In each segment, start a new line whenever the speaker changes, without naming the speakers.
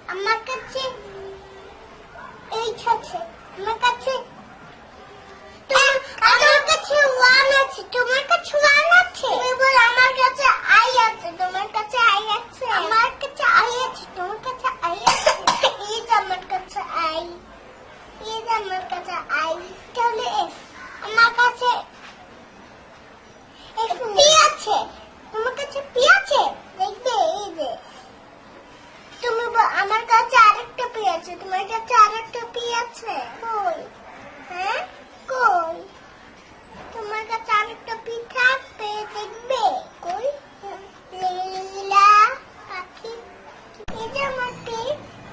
আমার কাছে এইট আছে। আমার কাছে আমার কাছে ওয়ান আছে। তোমার কাছে ওয়ান আছে? তুমি বল আমার কাছে আই আছে। তোমার কাছে আই আছে? আমার কাছে আই আছে। তোমার কাছে আই আছে? এই যে আমার কাছে আই, এই যে আমার কাছে আই, তাহলে এফ। আমার কাছে এফ পি আছে। তোমার কাছে পি আছে? দেখবে এই যে তুমি আমার কাছে আরেকটা পি আছে। তোমার কাছে আরেকটা পি আছে? কই? হ্যাঁ কই? তোমার কাছে আরেকটা পি থাকবে, দেখবে কই? লীলা পাখি, এই যে আমার পি।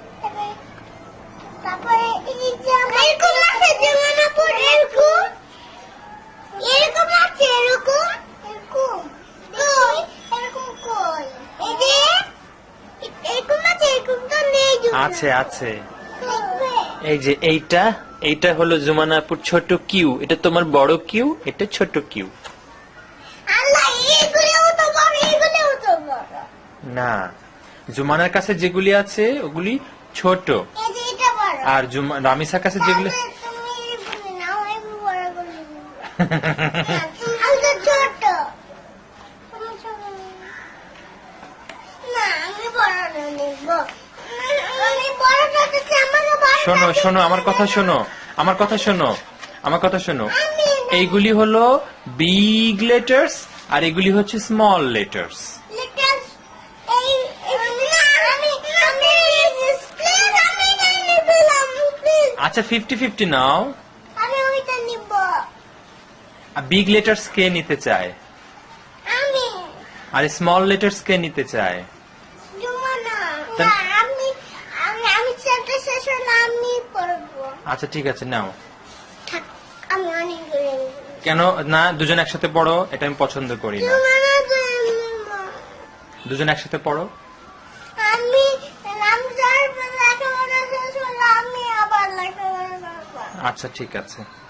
তারপরে এই যে এরকম আছে, যেমন আপুর এরকম এরকম আছে, এরকম এরকম কই? এরকম কই? এই যে এরকম আছে, এরকম তো নেই।
আছে আছে।
দেখবে
এই যে এইটা হলো জুমানাপুর ছোট কিউ, এটা তোমার বড় কিউ, এটা ছোট কিউ।
আল্লাহ, এইগুলোও তো বড়, এইগুলোও তো বড়।
না, জুমানার কাছে যেগুলি আছে ওগুলি ছোট,
এই যে এটা বড়।
আর রামিসার কাছে যেগুলি
তাহলে তুমি বলে নাও, আমি বড় করে নিবো। আমি তো ছোট। তুমি ছোট নিবে। না, আমি বড় নিব। আমি বড়টা দিচ্ছি, আমাকে বড়।
শোনো শোনো আমার কথা শোনো, আমার কথা শোনো, আমার কথা শোনো। এইগুলি হলো বিগ লেটার্স আর এগুলি হচ্ছে স্মল লেটার্স।
লিটল এই না, আমি প্লিজ আমি নিলাম, প্লিজ
আচ্ছা 50-50 নাও।
আমি ওইটা নিব।
বিগ লেটার্স কে নিতে চায়
আমি
আর স্মল লেটার্স কে নিতে চায়?
জুমানা
তা-
না, আমি আমি চ্যাপ্টার শেষ হলে আমি পড়বো।
আচ্ছা ঠিক আছে নাও।
থাক, আমি অনেক করে নিব।
কেন না, দুজন একসাথে পড়ো, এটা আমি পছন্দ করি না।
জুমানা নিব।
দুজন একসাথে পড়ো।
আমি রামজার লেখাপড়া শেষ হলে আমি আবার লেখাপড়া করবো।
আচ্ছা ঠিক আছে।